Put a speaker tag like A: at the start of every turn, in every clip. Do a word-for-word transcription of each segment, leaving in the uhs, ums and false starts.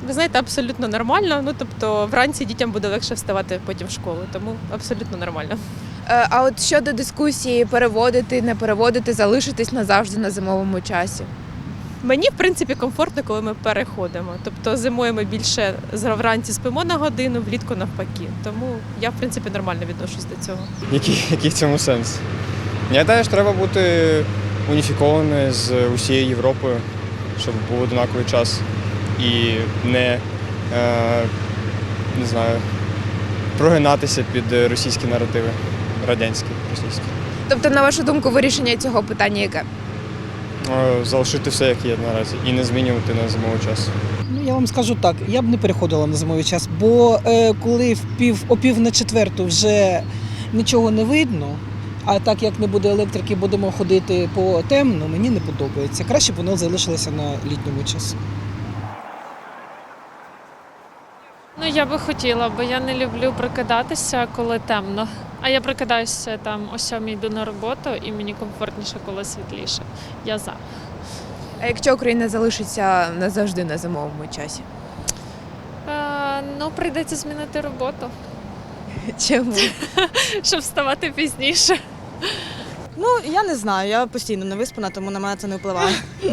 A: Ви знаєте, абсолютно нормально. Ну, тобто, вранці дітям буде легше вставати потім в школу, тому абсолютно нормально.
B: Е, А от щодо дискусії переводити, не переводити, залишитись назавжди на зимовому часі.
A: Мені, в принципі, комфортно, коли ми переходимо. Тобто зимою ми більше вранці спимо на годину, влітку навпаки. Тому я, в принципі, нормально відношусь до цього.
C: Який, який в цьому сенс? Я гадаю, що треба бути уніфікованою з усією Європою, щоб був однаковий час і не, е, не знаю, прогинатися під російські наративи, радянські, російські.
B: Тобто, на вашу думку, вирішення цього питання яке?
C: Е, Залишити все, як є наразі, і не змінювати на зимовий час.
D: Ну, я вам скажу так, я б не переходила на зимовий час, бо е, коли в пів, о пів на четверту вже нічого не видно, а так як не буде електрики, будемо ходити по темну, мені не подобається. Краще б воно залишилося на літньому часі.
E: Ну, я би хотіла, бо я не люблю прокидатися, коли темно. А я прокидаюся там о сьомій, йду на роботу, і мені комфортніше, коли світліше. Я за.
B: А якщо Україна залишиться назавжди на зимовому часі?
E: Е, ну, прийдеться змінити роботу,
B: Чому?
E: щоб вставати пізніше.
F: Ну, я не знаю, я постійно не виспана, тому на мене це не впливає.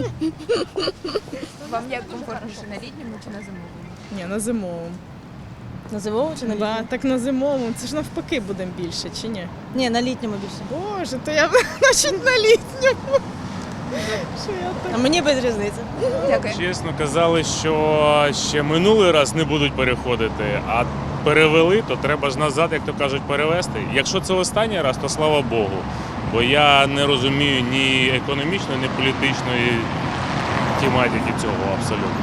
B: Вам як комфортніше, на літньому чи на зимовому?
G: Ні, на зимовому.
F: На зимовому чи на
G: Да,
F: літньому?
G: так на зимовому. Це ж навпаки будемо більше, чи ні?
F: Ні, на літньому більше.
G: Боже, то я значить на літньому. Що я так?
F: А мені без різниці.
B: Дякую.
H: Чесно, казали, що ще минулий раз не будуть переходити, а перевели, то треба ж назад, як то кажуть, перевести. Якщо це останній раз, то слава Богу. Бо я не розумію ні економічної, ні політичної тематики цього абсолютно.